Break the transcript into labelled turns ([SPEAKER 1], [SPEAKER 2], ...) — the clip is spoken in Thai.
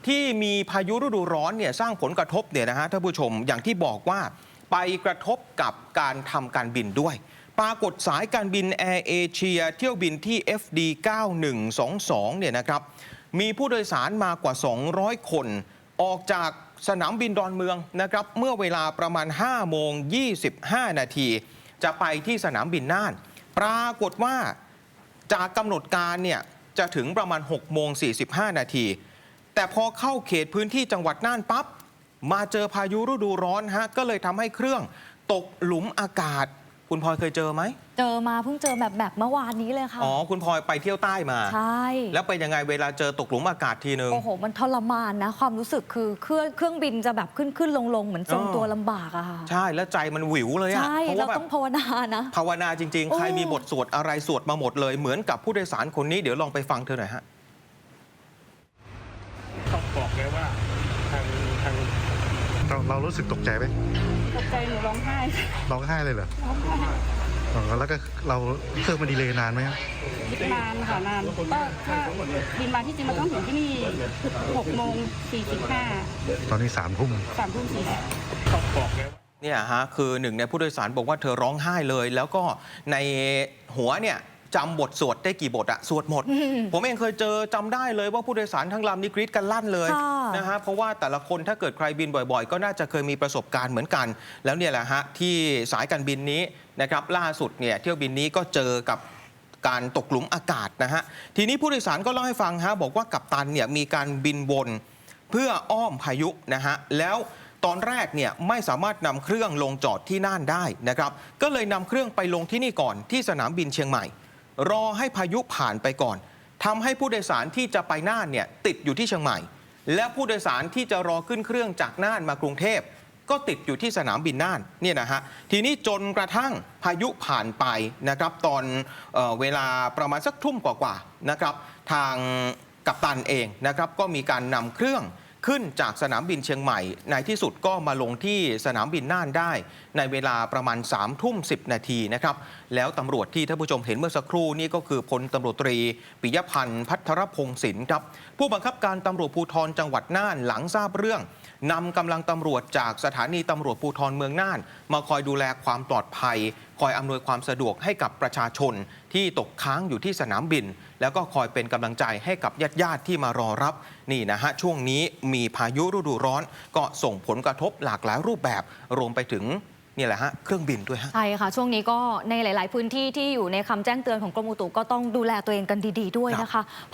[SPEAKER 1] ที่มีพายุฤดูร้อนเนี่ยสร้างผลกระทบเนี่ยนะฮะท่านผู้ชมอย่างที่บอกว่าไปกระทบกับการทำการบินด้วยปรากฏสายการบินแอร์เอเชียเที่ยวบินที่ FD 9122เนี่ยนะครับมีผู้โดยสารมากว่า 200 คนออกจากสนามบินดอนเมืองนะครับเมื่อเวลาประมาณ 5 โมง 25 นาทีจะไปที่สนามบินน่านปรากฏว่าจากกำหนดการเนี่ยจะถึงประมาณ 6 โมง 45 นาทีแต่พอเข้าเขตพื้นที่จังหวัดน่านปั๊บมาเจอพายุฤดูร้อนฮะก็เลยทำให้เครื่องตกหลุมอากาศคุณพลอยเคยเจอไหม
[SPEAKER 2] เจอมาเพิ่งเจอแบบเมื่อวานนี้เลยค่ะ
[SPEAKER 1] อ๋อคุณพลอยไปเที่ยวใต้มา
[SPEAKER 2] ใช่
[SPEAKER 1] แล้วเป็นยังไงเวลาเจอตกหลุมอากาศทีนึง
[SPEAKER 2] โอ้โหมันทรมานนะความรู้สึกคือเครื่องบินจะแบบขึ้นลงเหมือนทรงตัวลำบากอะค่ะ
[SPEAKER 1] ใช่แล้วใจมันหวิวเลยอะ
[SPEAKER 2] ใช่เราต้องภาวนานะ
[SPEAKER 1] ภาวนาจริงๆใครมีบทสวดอะไรสวดมาหมดเลยเหมือนกับผู้โดยสารคนนี้เดี๋ยวลองไปฟังเธอหน่อยฮะ
[SPEAKER 3] ต้องบอกเลยว่าทาง
[SPEAKER 4] เรารู้สึกตกใจไหม
[SPEAKER 5] ตกใจหนูร้องไห้
[SPEAKER 4] ร้องไห้เลยเหรอ
[SPEAKER 5] ร้องไห้
[SPEAKER 4] อ๋อแล้วก็เราเครื่องมันดีเลย์นานไหมครับ
[SPEAKER 5] นานค่ะนานก็ถ้าบินมาที่จริงมันต้องถึงที่นี่6 โมง 45
[SPEAKER 4] ตอนนี้3 ทุ่ม
[SPEAKER 5] 3 ทุ่ม 40
[SPEAKER 3] ต้องบอกเลย
[SPEAKER 1] เนี่ยฮะคือหนึ่งในผู้โดยสารบอกว่าเธอร้องไห้เลยแล้วก็ในหัวเนี่ยจำบทสวดได้กี่บทอะสวดหมด ผมเองเคยเจอจำได้เลยว่าผู้โดยสารทั้งลำนี่กรี๊ดกันลั่นเลยนะฮะเพราะว่าแต่ละคนถ้าเกิดใครบินบ่อยๆก็น่าจะเคยมีประสบการณ์เหมือนกัน แล้วเนี่ยแหละฮะที่สายการบินนี้นะครับล่าสุดเนี่ยเที่ยวบินนี้ก็เจอกับการตกหลุมอากาศนะฮะทีนี้ผู้โดยสารก็เล่าให้ฟังฮะบอกว่ากัปตันเนี่ยมีการบินวนเพื่ออ้อมพายุนะฮะแล้วตอนแรกเนี่ยไม่สามารถนำเครื่องลงจอดที่น่านได้นะครับก็เลยนำเครื่องไปลงที่นี่ก่อนที่สนามบินเชียงใหม่รอให้พายุผ่านไปก่อนทำให้ผู้โดยสารที่จะไปน่านเนี่ยติดอยู่ที่เชียงใหม่และผู้โดยสารที่จะรอขึ้นเครื่องจากน่านมากรุงเทพก็ติดอยู่ที่สนามบินน่านเนี่ยนะฮะทีนี้จนกระทั่งพายุผ่านไปนะครับตอนเวลาประมาณสักทุ่มกว่าๆนะครับทางกัปตันเองนะครับก็มีการนำเครื่องขึ้นจากสนามบินเชียงใหม่ในที่สุดก็มาลงที่สนามบินน่านได้ในเวลาประมาณ3 ทุ่ม 10 นาทีนะครับแล้วตำรวจที่ท่านผู้ชมเห็นเมื่อสักครู่นี่ก็คือพลตำรวจตรีปิยพันธ์พัทรพงศินครับผู้บังคับการตำรวจภูธรจังหวัดน่านหลังทราบเรื่องนำกำลังตำรวจจากสถานีตำรวจภูธรเมืองน่านมาคอยดูแลความปลอดภัยคอยอำนวยความสะดวกให้กับประชาชนที่ตกค้างอยู่ที่สนามบินแล้วก็คอยเป็นกำลังใจให้กับญาติๆที่มารอรับนี่นะฮะช่วงนี้มีพายุฤดูร้อนก็ส่งผลกระทบหลากหลายรูปแบบรวมไปถึงนี่แหละฮะเครื่องบินด้วยฮะ
[SPEAKER 2] ใช่ค่ะช่วงนี้ก็ในหลายๆพื้นที่ที่อยู่ในคำแจ้งเตือนของกรมอุตุก็ต้องดูแลตัวเองกันดีๆด้วยนะคะ